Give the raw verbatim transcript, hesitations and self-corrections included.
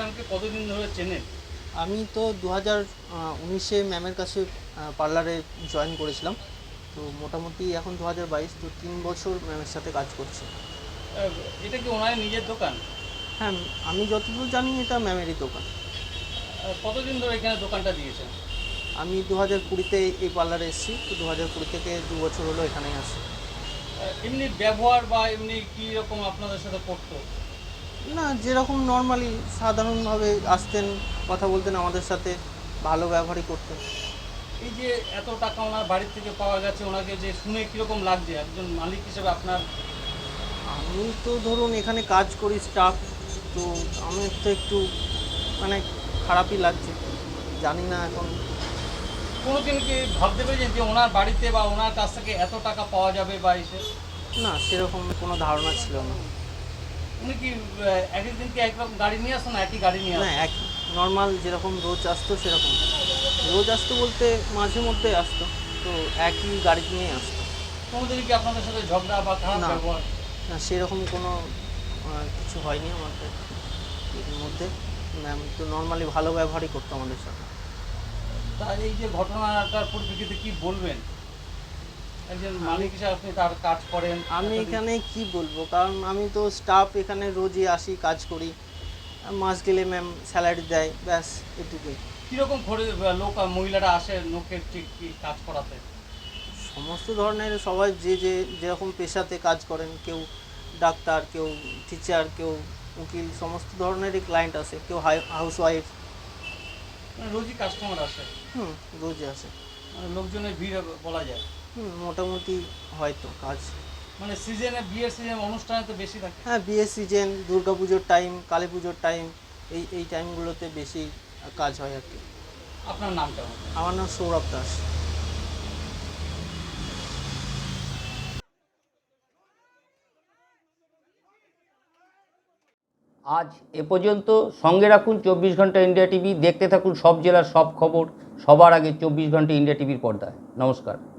ম্যামকে কতদিন ধরে চেনেন? আমি তো দু হাজার উনিশে ম্যামের কাছে পার্লারে জয়েন করেছিলাম। তো মোটামুটি এখন দু হাজার বাইশ, তো তিন বছর ম্যামের সাথে কাজ করছি। আহ, এটা কি ওনার নিজের দোকান? হ্যাঁ, আমি যতদূর জানি এটা ম্যামেরই দোকান। আহ, কতদিন ধরে এখানে দোকানটা দিয়েছেন? আমি দু হাজার কুড়িতে এই পার্লারে এসেছি, তো দু হাজার কুড়ি থেকে দু বছর হলো এখানেই আসি। আহ, এমনি ব্যবহার বা এমনি কী রকম আপনাদের সাথে করতো? না, যেরকম নর্মালি সাধারণভাবে আসতেন, কথা বলতেন আমাদের সাথে, ভালো ব্যবহারই করতেন। এই যে এত টাকা ওনার বাড়ির থেকে পাওয়া গেছে, ওনাকে যে শুনে কীরকম লাগছে একজন মালিক হিসেবে আপনার? আমি তো ধরুন এখানে কাজ করি, স্টাফ, তো আমার তো একটু মানে খারাপই লাগছে। জানি না এখন। কোনোদিন কি ভাবতে পেরেছেন যে ওনার বাড়িতে বা ওনার কাছ থেকে এত টাকা পাওয়া যাবে বা এসে? না, সেরকম কোনো ধারণা ছিল না। উনি কি আহ, এক একদিন কি একরকম গাড়ি নিয়ে আসতো না একই গাড়ি নিয়ে না, আসতো? এক নর্মাল যেরকম রোজ আসতো সেরকম। রোজ আসতো বলতে মাঝে মধ্যে আসতো, তো একই গাড়ি নিয়েই আসতো। কোনোদিন কি আপনাদের সাথে ঝগড়া বা খারাপ না, ব্যবহার? না সেরকম কোনো আহ, কিছু হয়নি আমাদের এর মধ্যে। ম্যাম তো নর্মালি ভালো ব্যবহারই করতো আমাদের সাথে। তা এই যে ঘটনাটার পরিপ্রেক্ষিতে কি বলবেন? একজন মালিক হিসেবে আপনি তার কাজ করেন আমি এতদিন। এখানে কি বলবো, কারণ আমি তো স্টাফ, এখানে রোজই আসি, কাজ করি। মাস গেলে ম্যাম স্যালারি দেয়, ব্যাস এটুকুই। কীরকম করে লোক মহিলারা আসে লোকের ঠিক কি কাজ করাতে? সমস্ত ধরনের সবাই যে যে যেরকম পেশাতে কাজ করেন, কেউ ডাক্তার, কেউ টিচার, কেউ উকিল, সমস্ত ধরনেরই ক্লায়েন্ট আসে, কেউ হাউস ওয়াইফ। মানে রোজই কাস্টমার আসে? হুম, রোজই আসে। মানে লোকজনের ভিড় বলা যায়। হুম, মোটামুটি হয়তো কাজ। মানে সিজনে, বিয়ের সিজনে, অনুষ্ঠানে তো বেশি থাকে। হ্যাঁ, বিয়ের সিজন, দুর্গা পুজোর টাইম, কালী পুজোর টাইম, এই এই টাইমগুলোতে বেশি কাজ হয় আর কি। আপনার নামটা? আমার নাম সৌরভ দাস। আজ এ পর্যন্ত। সঙ্গে রাখুন চব্বিশ ঘন্টা ইন্ডিয়া টিভি। দেখতে থাকুন সব জেলার সব খবর সবার আগে চব্বিশ ঘন্টা ইন্ডিয়া টিভির পর্দায়। নমস্কার।